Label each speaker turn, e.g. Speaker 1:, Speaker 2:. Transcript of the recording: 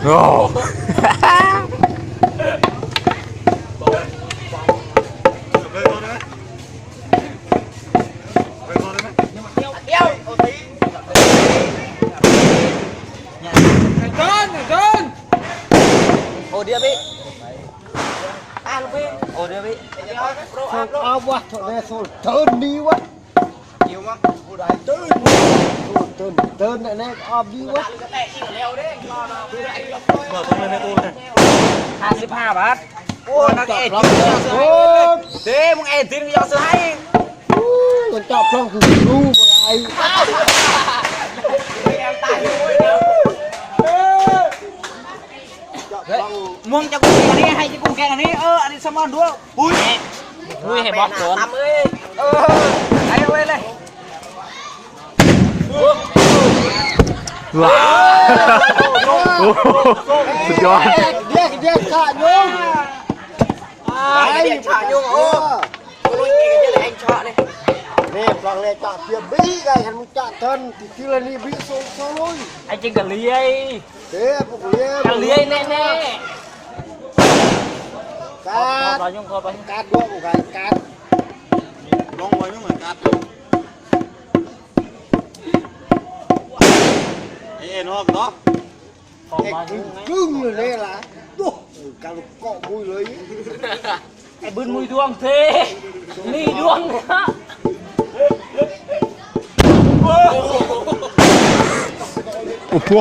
Speaker 1: โอ้
Speaker 2: โอเดียบิลูกพี่โอเดียบิ
Speaker 3: เอาวะโถแม่โซนเทินดีวะ
Speaker 2: หิวมั้ง
Speaker 3: ผู้ใดตื่นเทินแน่ออบดีวะ
Speaker 2: 55 บาทโอ้นักเอ็ด
Speaker 3: โอ้ย
Speaker 2: เด้มึงเอ็ดทิ้งยอซื้อให้
Speaker 3: มันจับพร้อมคือรู้อะไร
Speaker 2: มึงจะกูอันนี้ให้จะกูแกงอันนี้อันนี้สมอนด้วยปุ้ยให้บอกก่อนให้เอาไว้เลย
Speaker 1: ว้าวสุดยอด
Speaker 3: เรียกขาโยง
Speaker 2: ไอ้ฉายุ่งโอ้ลุยเองจะเลยเองฉาเลย
Speaker 3: นี่ปลองเลยจับเพียบี้ไงเห็นมึงจับเทินที่ละนี่บี้โซ่ลุย
Speaker 2: ไอ้จริงกับเลี้ย
Speaker 3: เด้พวกเลี้ย
Speaker 2: กับเลี้ยแน่แน่
Speaker 3: การ
Speaker 2: รอยุ่งคอไป
Speaker 3: การด้วยกูการ
Speaker 4: ลงไว้ไม่เหมือนกันเอ็นฮอกเนาะ
Speaker 3: เด็กกึ่งเลยนี่ล่ะดูการเกาะบุยเลย
Speaker 2: ไอ้บึนมุยดวงเทนี่ดวงนะ
Speaker 1: โอ้โห